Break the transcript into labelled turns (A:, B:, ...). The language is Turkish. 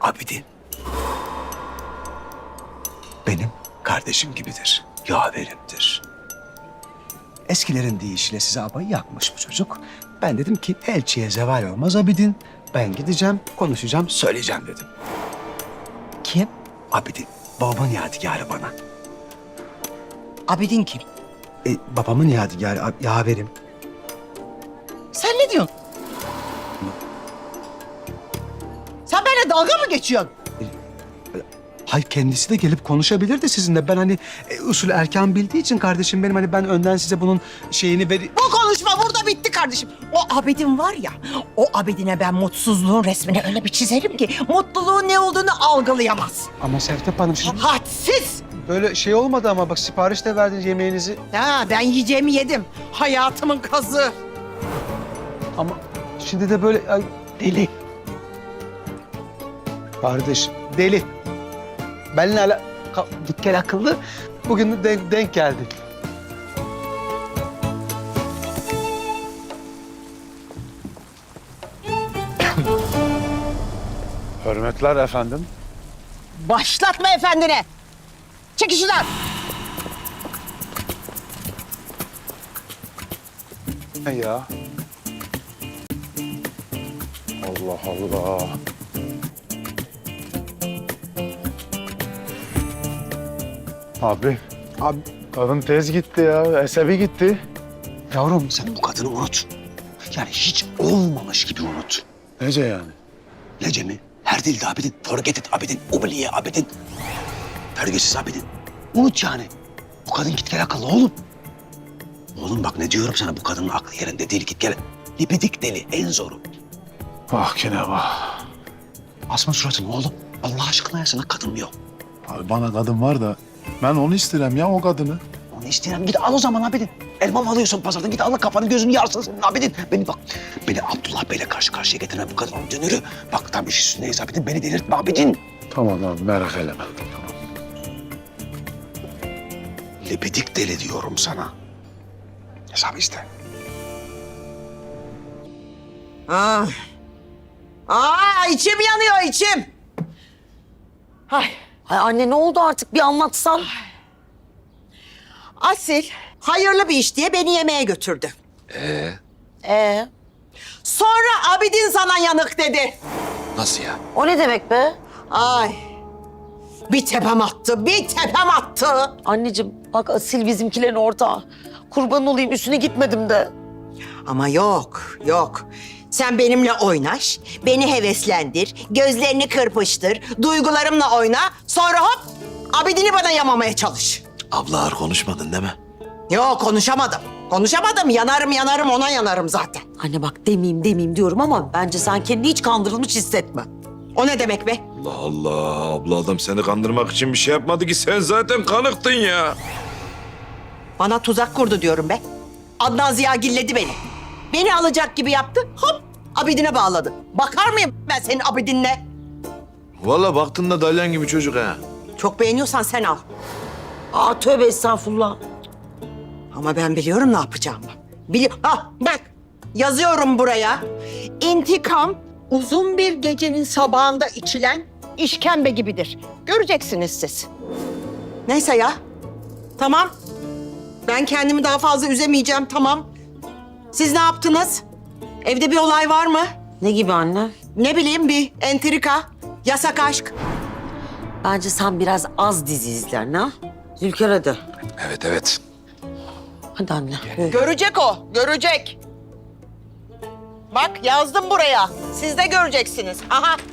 A: Abidin benim kardeşim gibidir, yaverimdir. Eskilerin deyişiyle size abayı yakmış bu çocuk. Ben dedim ki elçiye zeval olmaz Abidin. Ben gideceğim, konuşacağım, söyleyeceğim dedim.
B: Kim?
A: Abidin, babamın yadigarı bana.
B: Abidin kim?
A: Babamın yadigarı, yaverim.
B: Sen ne diyorsun? Sen benimle dalga mı geçiyorsun?
A: Hayır, kendisi de gelip konuşabilirdi sizinle. Ben hani usul erken bildiği için kardeşim benim, hani ben önden size bunun şeyini
B: Bu konuşma burada bitti kardeşim. O Abidin var ya, o Abidine ben mutsuzluğun resmini öyle bir çizerim ki mutluluğun ne olduğunu algılayamaz.
A: Ama Sevtep Hanım şimdi
B: Hadsiz.
A: böyle şey olmadı ama bak sipariş de verdiniz yemeğinizi.
B: Ha, ben yiyeceğimi yedim. Hayatımın kazı.
A: Ama şimdi de böyle deli. Kardeş deli. Benimle git gel akıllı. Bugün de denk geldi.
C: Hürmetler efendim.
B: Başlatma efendine. Çekil şuradan.
C: Ne ya? Allah Allah. Abi,
A: Abi
C: kadın tez gitti ya. Esebi gitti.
A: yavrum sen bu kadını unut. Yani hiç olmamış gibi unut.
C: Nece yani?
A: Nece mi? Her dilde Abidin. Forget it Abidin. Ubliye Abidin. Pergesiz Abidin. Unut yani. Bu kadın git gel akıllı oğlum. Oğlum bak ne diyorum sana, bu kadının aklı yerinde değil, git gel. Lipidik deli en zoru.
C: Vah kine vah.
A: Asma suratını oğlum. Allah aşkına ya, sana kadın mı yok?
C: Abi bana kadın var da ben onu isterim ya, o kadını.
A: Onu isteyen git al o zaman Abidin. Elma mı alıyorsun pazardan? Git al, kafanı gözünü yarsın senin Abidin. Beni Abdullah Bey'le karşı karşıya getirme bu kadın dönürü. Bak tam iş üstündeyiz Abidin. Beni delirtme Abidin.
C: Tamam abi, merak etme. Tamam.
A: Lipidik deli diyorum sana. Hesabı iste.
B: İçim yanıyor içim. Ay.
D: Ay anne ne oldu artık bir anlatsan.
B: Asil hayırlı bir iş diye beni yemeğe götürdü. Sonra Abidin sana yanık dedi.
A: Nasıl ya?
D: O ne demek be?
B: Ay. Bir tepem attı, bir tepem attı.
D: Anneciğim bak Asil bizimkilerin ortağı. Kurban olayım üstüne gitmedim de.
B: Ama yok, yok. Sen benimle oynaş, beni heveslendir, gözlerini kırpıştır, duygularımla oyna. Sonra hop, Abidin'i bana yamamaya çalış.
A: Abla ağır konuşmadın değil mi?
B: Yok, konuşamadım. Konuşamadım, yanarım ona yanarım zaten.
D: Anne bak demeyeyim diyorum ama bence sen kendini hiç kandırılmış hissetme.
B: O ne demek be?
E: Allah Allah. Abla adam seni kandırmak için bir şey yapmadı ki. Sen zaten kanıktın ya.
B: Bana tuzak kurdu diyorum be. Adnan Ziya gilledi beni. Beni alacak gibi yaptı, hop Abidin'e bağladı. Bakar mıyım ben senin Abidin'le?
E: Vallahi baktın da dalyan gibi çocuk ha.
B: Çok beğeniyorsan sen al.
D: Aa tövbe estağfurullah.
B: Ama ben biliyorum ne yapacağımı. Bak yazıyorum buraya. İntikam uzun bir gecenin sabahında içilen işkembe gibidir. Göreceksiniz siz. Neyse ya. Tamam. Ben kendimi daha fazla üzemeyeceğim, tamam. Siz ne yaptınız? Evde bir olay var mı?
D: Ne gibi anne?
B: Ne bileyim, bir entrika, yasak aşk.
D: Bence sen biraz az dizi izler ne? Zülker hadi.
E: Evet.
D: Hadi anne.
B: Görecek o, görecek. Bak yazdım buraya. Siz de göreceksiniz. Aha.